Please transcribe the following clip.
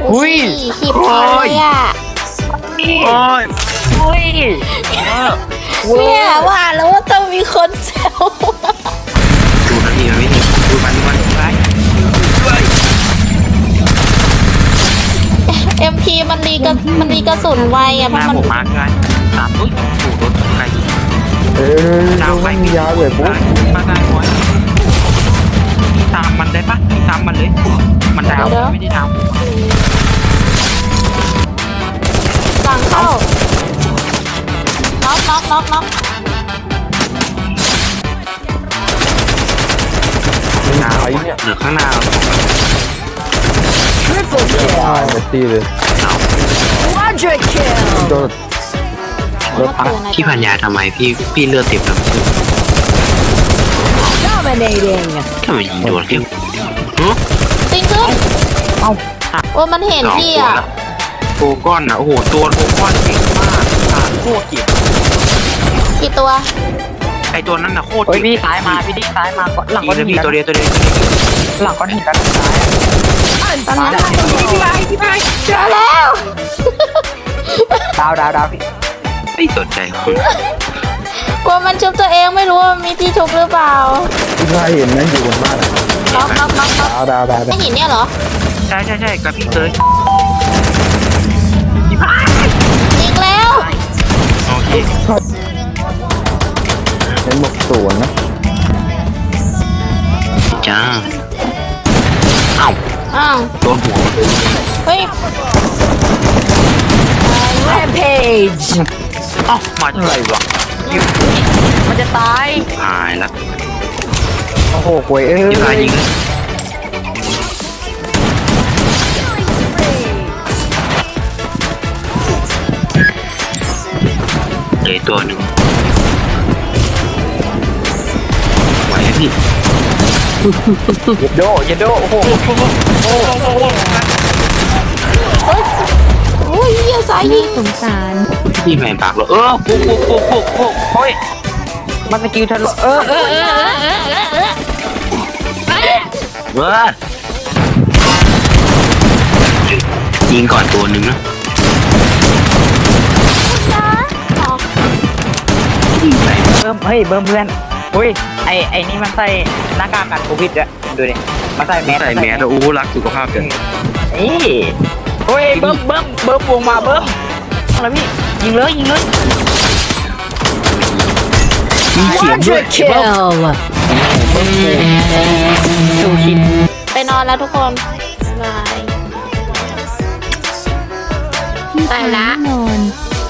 อุ้ยขีดเลยอ่ะโอ้ยอุ้ยเนี่ยว่าแล้วว่าต้องมีคนแซวดูนาทีมันไม่ถึงดูมันไป MP มันรีกระสุนไวอ่ะเพหน้าราะมันผมมาร์กไงตามอุ้ยถูกรถใครยิงดาวไม่มียาเลยปุ๊บมาได้บอยตามมันได้ปะตามมันเลยมันดาวไม่ได้ดาวหลังเข้าน็อกดาวเหลือข้างหน้าตายหมดที่เลย Quadra kill. โดนรถพักที่พันยาทำไมพี่เลือดติดแบบ Dominating. ทำไมยิงโดนที่ปิงขึ้นโอ้มันเห็นพี่อ่ะโกก้อนอ่ะโอ้โหตัวโกก้อนเก่งมากโคตรเก่งกี่ตัวไอตัวนั้นน่ะโคตรโอ้ยเก่งพี่ซ้ายมาพี่ดิซ้ายมาหลังก้อนหินพี่ตัวเดียวหลังก้อนหินกันซ้ายเจอแล้วดาวพี่ไม่สนใจคนกลัวมันชุบตัวเองไม่รู้ว่ามันมีที่ชุบหรือเปล่าที่ข้าเห็นนั่นอยู่บนบ้านน็อกดาวไอหินเนี่ยเหรอใช่กับพี่เตยยิงแล้วโอเคเห็นบอกสวนนะจ้าเอ้าอ้าวโดนหัวเฮ้ย Rampage. เอ้ามาจากไหนวะมันจะตายตายละโอ้โหกวยเอ้ยยิงอะไรยิงเลยตัวหนึ่งไหวไหมพี่อย่าโดโอ้โหโอ้ยเหี้ยสายยิงสงสารพี่แมนปากเลยปุ๊บโอ้ยมันสกิลทะลุเว้ยยิงก่อนตัวหนึ่งนะเบิ่มเพื่อนอุ้ยไอ้นี่มันใส่หน้ากากกันโควิดอะดูดิมันใส่แมสใส่แมสแล้วอู้รักสุขภาพกันนี่โอ้ยเบิ่มวงมาเบิ่มอะไรพี่ยิงเลยมีเสียงด้วย Quadra kill. ดูชินไปนอนแล้วทุกคนบาย ไปละนอน